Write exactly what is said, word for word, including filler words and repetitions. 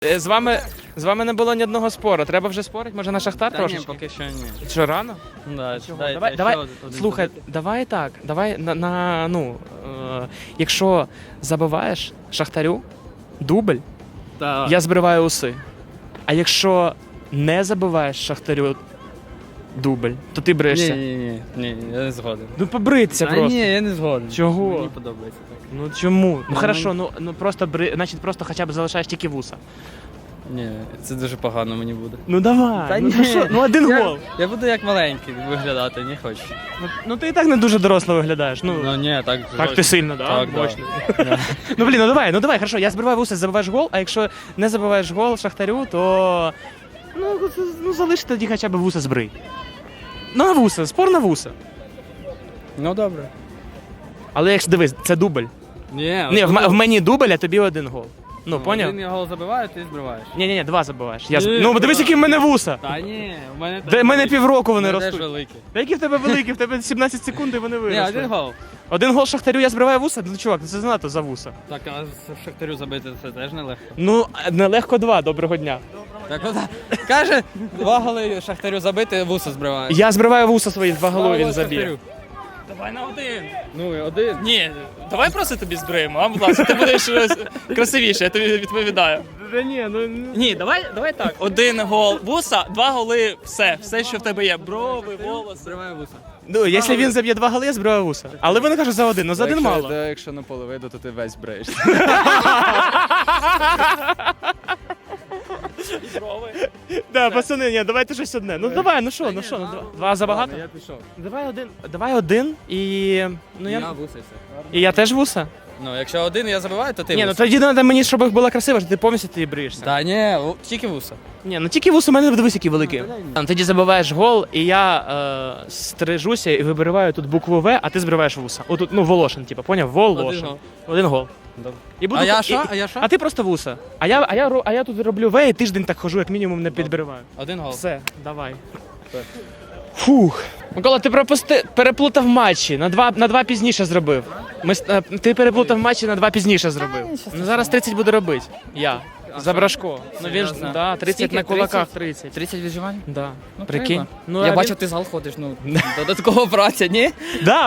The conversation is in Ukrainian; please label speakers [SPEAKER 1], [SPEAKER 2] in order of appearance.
[SPEAKER 1] Е, З вами, з вами не було ні одного спору. Треба вже спорити? Може на Шахтар
[SPEAKER 2] Та
[SPEAKER 1] трошечки?
[SPEAKER 2] ні, поки що ні.
[SPEAKER 1] Що, рано?
[SPEAKER 2] Да,
[SPEAKER 1] Чого?
[SPEAKER 2] дай-
[SPEAKER 1] давай,
[SPEAKER 2] дай
[SPEAKER 1] давай,
[SPEAKER 2] ще один
[SPEAKER 1] слухай,
[SPEAKER 2] туди.
[SPEAKER 1] давай так, давай на, на ну, е, якщо забиваєш Шахтарю дубль,
[SPEAKER 2] Та,
[SPEAKER 1] я збриваю уси. А якщо не забиваєш Шахтарю дубль, то ти
[SPEAKER 2] ні,
[SPEAKER 1] брешся.
[SPEAKER 2] ні, ні, ні, я не згоден.
[SPEAKER 1] Ну побриться
[SPEAKER 2] Та
[SPEAKER 1] просто.
[SPEAKER 2] ні, я не згоден.
[SPEAKER 1] Чого?
[SPEAKER 2] Мені подобається так.
[SPEAKER 1] Ну чому? Ну
[SPEAKER 2] Ну,
[SPEAKER 1] хорошо, ну, ну просто бри, значить просто хоча б залишаєш тільки вуса.
[SPEAKER 2] Ні, це дуже погано мені буде.
[SPEAKER 1] Ну давай,
[SPEAKER 2] Та
[SPEAKER 1] ну,
[SPEAKER 2] ні.
[SPEAKER 1] ти що? Ну один
[SPEAKER 2] Я,
[SPEAKER 1] гол.
[SPEAKER 2] я буду як маленький виглядати, не хочу.
[SPEAKER 1] Ну, ну ти і так не дуже доросло виглядаєш. Ну,
[SPEAKER 2] Ну ні, так.
[SPEAKER 1] так ти сильно, да?
[SPEAKER 2] Так, да.
[SPEAKER 1] Мощно.
[SPEAKER 2] Да.
[SPEAKER 1] Ну блін, ну давай, ну давай, хорошо, я збиваю вуса, забиваєш гол, а якщо не забиваєш гол Шахтарю, то ну, ну залиш тоді хоча б вуса збрий. Ну на вуса, спор на вуса.
[SPEAKER 2] Ну добре.
[SPEAKER 1] Але якщо дивись, це дубль.
[SPEAKER 2] Ні,
[SPEAKER 1] Ні, в,
[SPEAKER 2] один
[SPEAKER 1] м- в
[SPEAKER 2] гол.
[SPEAKER 1] мені дубль, а тобі один гол. Ну, поняв?
[SPEAKER 2] Один я гол забиваю, ти збриваєш.
[SPEAKER 1] Ні, ні, ні, два забиваєш. Я... з-
[SPEAKER 2] Ні,
[SPEAKER 1] Ну, дивись,
[SPEAKER 2] два.
[SPEAKER 1] які в мене вуса.
[SPEAKER 2] Та ні, у мене
[SPEAKER 1] Де в мене півроку вони
[SPEAKER 2] вони теж
[SPEAKER 1] ростуть.
[SPEAKER 2] великі.
[SPEAKER 1] Та які в тебе великі, в тебе сімнадцять секунд і вони
[SPEAKER 2] Ні,
[SPEAKER 1] виросли.
[SPEAKER 2] один гол.
[SPEAKER 1] Один гол Шахтарю, я збриваю вуса? Ну, чувак, це занадто за вуса.
[SPEAKER 2] Так, а з Шахтарю забити це теж нелегко.
[SPEAKER 1] Ну, нелегко два, доброго дня.
[SPEAKER 2] Так от, каже, два голи Шахтарю забити, вуса збриває.
[SPEAKER 1] Я збриваю вуса свої, два голови він заб'є.
[SPEAKER 3] Давай на один.
[SPEAKER 2] Ну і один.
[SPEAKER 3] Ні, давай просто тобі збриємо, а будь ласка, ти будеш е, красивіше, я тобі відповідаю.
[SPEAKER 1] Та ні, ну...
[SPEAKER 3] Ні, давай, давай так. Один гол вуса, два голи, все, все, що в тебе є. Брови, волоси.
[SPEAKER 2] Збриває вуса.
[SPEAKER 1] Ну, якщо він заб'є два голи, я збриваю вуса. Але вони кажуть за один, ну за один
[SPEAKER 4] якщо,
[SPEAKER 1] мало.
[SPEAKER 4] да, якщо на поле вийду, то ти весь бреєшся.
[SPEAKER 3] Брови.
[SPEAKER 1] Да, пацани, ні, давайте щось одне. Ну давай, ну що, ну що, ну, два, два забагато?
[SPEAKER 2] Я пішов.
[SPEAKER 1] Давай один. Давай один і. Ну
[SPEAKER 2] Я
[SPEAKER 1] я.
[SPEAKER 2] вуса і все.
[SPEAKER 1] І я теж вуса?
[SPEAKER 2] Ну, якщо один я забиваю, то ти
[SPEAKER 1] Ні, ну
[SPEAKER 2] вуса.
[SPEAKER 1] тоді треба мені, щоб їх було красиво, що ти повністю ти бриєшся.
[SPEAKER 2] Та ні, у- тільки вуса.
[SPEAKER 1] Ні, ну тільки вус у мене дивись, який великий. Там, тоді забиваєш гол, і я е, стрижуся і вибриваю тут букву В, а ти збриваєш вуса. Отут, ну, Волошин, типу, поняв? Волошин.
[SPEAKER 2] гол.
[SPEAKER 1] Один гол.
[SPEAKER 2] Добре.
[SPEAKER 1] І буду
[SPEAKER 2] А я
[SPEAKER 1] і-
[SPEAKER 2] що? А я що?
[SPEAKER 1] А ти просто вуса. А я, а я, ро- а я тут роблю В і тиждень так хожу, як мінімум не підбриваю.
[SPEAKER 2] Один гол.
[SPEAKER 1] Все, давай.
[SPEAKER 2] Так.
[SPEAKER 1] Фух. Микола, ти пропусти... переплутав матчі, на два, на два пізніше зробив. Ми... с- е, Ти переплутав матчі, на два пізніше зробив. Ну зараз тридцять буду робити. Я. За Брашко. Ну він ж,
[SPEAKER 2] Серйозно?
[SPEAKER 1] да, тридцять
[SPEAKER 2] Скільки?
[SPEAKER 1] на кулаках
[SPEAKER 2] тридцять?
[SPEAKER 1] тридцять.
[SPEAKER 2] тридцять відживань?
[SPEAKER 1] Да.
[SPEAKER 2] Ну,
[SPEAKER 1] Прикинь.
[SPEAKER 2] треба.
[SPEAKER 1] Ну,
[SPEAKER 2] Я
[SPEAKER 1] а
[SPEAKER 2] бачу,
[SPEAKER 1] він-
[SPEAKER 2] ти в зал ходиш, ну, додатково праця, ні?
[SPEAKER 1] Да,